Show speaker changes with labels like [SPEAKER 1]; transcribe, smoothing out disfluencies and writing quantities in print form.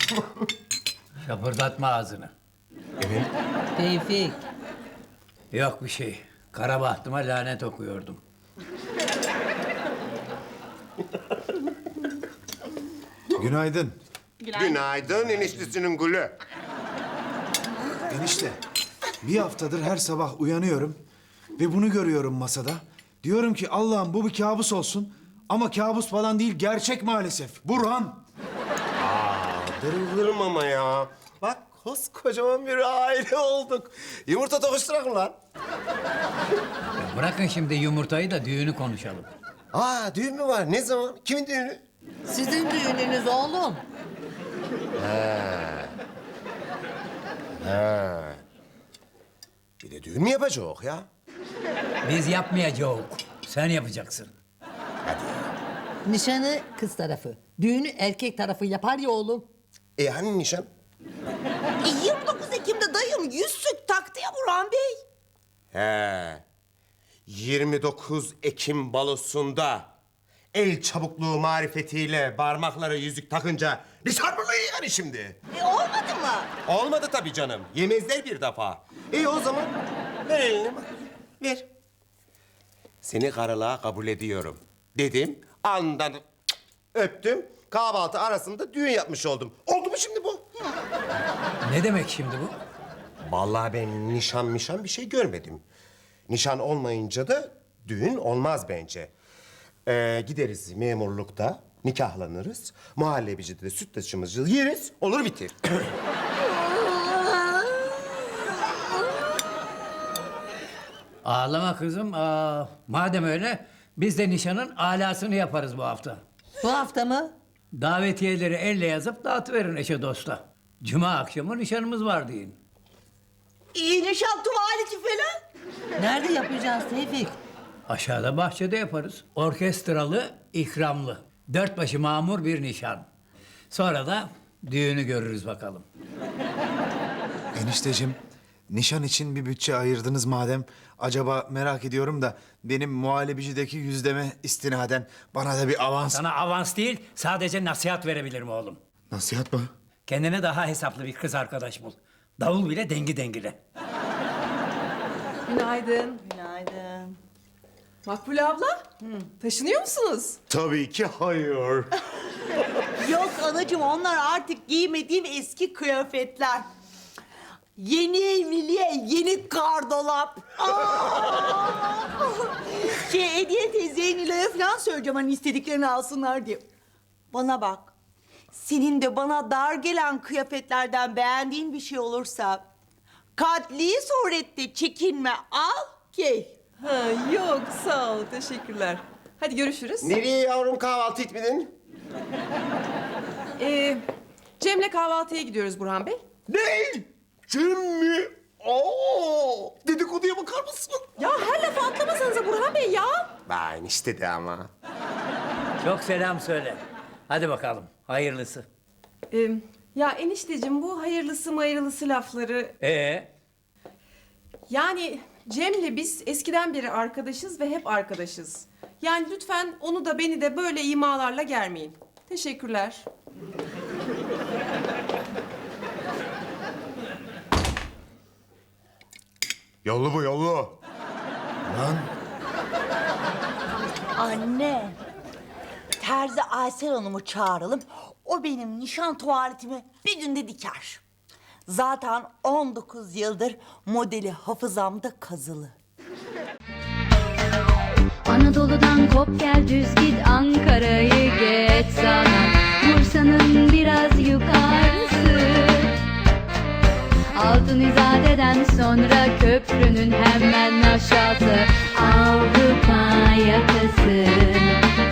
[SPEAKER 1] Şapırdatma ağzını.
[SPEAKER 2] Evet.
[SPEAKER 3] Tevfik.
[SPEAKER 1] Yok bir şey. Kara bahtıma lanet okuyordum.
[SPEAKER 4] Günaydın.
[SPEAKER 2] Günaydın eniştesinin gülü.
[SPEAKER 4] Enişte, bir haftadır her sabah uyanıyorum ve bunu görüyorum masada. Diyorum ki Allah'ım bu bir kabus olsun. Ama kabus falan değil, gerçek maalesef. Burhan.
[SPEAKER 2] Darılırım ama ya. Bak koskocaman bir aile olduk. Yumurta tokuşturak mı lan?
[SPEAKER 1] Bırakın şimdi yumurtayı da düğünü konuşalım.
[SPEAKER 2] Düğün mü var? Ne zaman? Kimin düğünü?
[SPEAKER 3] Sizin düğününüz oğlum.
[SPEAKER 2] Bir de düğün mü yapacak ya?
[SPEAKER 1] Biz yapmayacağız. Sen yapacaksın.
[SPEAKER 3] Nişanı kız tarafı. Düğünü erkek tarafı yapar ya oğlum.
[SPEAKER 2] Hani nişan?
[SPEAKER 5] 29 Ekim'de dayım yüzsük taktı ya Burhan Bey.
[SPEAKER 2] 29 Ekim balosunda el çabukluğu marifetiyle parmaklara yüzük takınca nişan mı yani şimdi?
[SPEAKER 5] Olmadı mı?
[SPEAKER 2] Olmadı tabii canım. Yemezler bir defa. O zaman ver elini bak. Ver. Seni karılığa kabul ediyorum dedim. Andan öptüm. Kahvaltı arasında düğün yapmış oldum. Oldu mu şimdi bu?
[SPEAKER 1] Ne demek şimdi bu?
[SPEAKER 2] Vallahi ben nişan bir şey görmedim. Nişan olmayınca da düğün olmaz bence. Gideriz memurlukta, nikahlanırız. Muhallebicide de süt taşımızı yeriz, olur bitir.
[SPEAKER 1] Ağlama kızım. Madem öyle biz de nişanın alasını yaparız bu hafta.
[SPEAKER 3] Bu hafta mı?
[SPEAKER 1] Davetiyeleri elle yazıp dağıtıverin eşe dosta. Cuma akşamı nişanımız var deyin.
[SPEAKER 5] Nişan tuvaleti falan.
[SPEAKER 3] Nerede yapacağız Tevfik?
[SPEAKER 1] Aşağıda bahçede yaparız. Orkestralı, ikramlı. Dört başı mamur bir nişan. Sonra da düğünü görürüz bakalım.
[SPEAKER 4] Enişteciğim, nişan için bir bütçe ayırdınız madem. Acaba merak ediyorum da benim muhallebicideki yüzdeme istinaden bana da bir avans...
[SPEAKER 1] Sana avans değil, sadece nasihat verebilirim oğlum.
[SPEAKER 4] Nasihat mı?
[SPEAKER 1] Kendine daha hesaplı bir kız arkadaş bul. Davul bile dengi dengile.
[SPEAKER 6] Günaydın.
[SPEAKER 5] Günaydın.
[SPEAKER 6] Makbule abla, taşınıyor musunuz?
[SPEAKER 2] Tabii ki hayır.
[SPEAKER 5] Yok anacığım onlar artık giymediğim eski kıyafetler. Yeni evliliğe yeni gardolap. Hediye teyzeye Nilay'a falan söyleyeceğim hani istediklerini alsınlar diye. Bana bak. Senin de bana dar gelen kıyafetlerden beğendiğin bir şey olursa... ...katli surette çekinme al giy.
[SPEAKER 6] Ha, yok sağ ol, teşekkürler. Hadi görüşürüz.
[SPEAKER 2] Nereye yavrum kahvaltı etmedin?
[SPEAKER 6] Cem'le kahvaltıya gidiyoruz Burhan Bey.
[SPEAKER 2] Ne? Cem mi? Dedikoduya bakar mısın?
[SPEAKER 6] Ya her lafı atlamasanıza Burhan Bey ya.
[SPEAKER 2] Ben işte de ama.
[SPEAKER 1] Çok selam söyle. Hadi bakalım, hayırlısı.
[SPEAKER 6] Ya enişteciğim bu hayırlısı mayırlısı lafları... Yani Cem'le biz eskiden beri arkadaşız ve hep arkadaşız. Yani lütfen onu da beni de böyle imalarla germeyin. Teşekkürler.
[SPEAKER 2] Yollu bu yollu.
[SPEAKER 4] Lan,
[SPEAKER 5] Anne. Terzi Aysel Hanım'ı çağıralım. O benim nişan tuvaletimi bir günde diker. Zaten 19 yıldır modeli hafızamda kazılı.
[SPEAKER 7] Anadolu'dan kop gel düz git Ankara'yı geç sana Bursa'nın biraz yukarısı Altın İzade'den sonra köprünün hemen aşağısı Avrupa yakası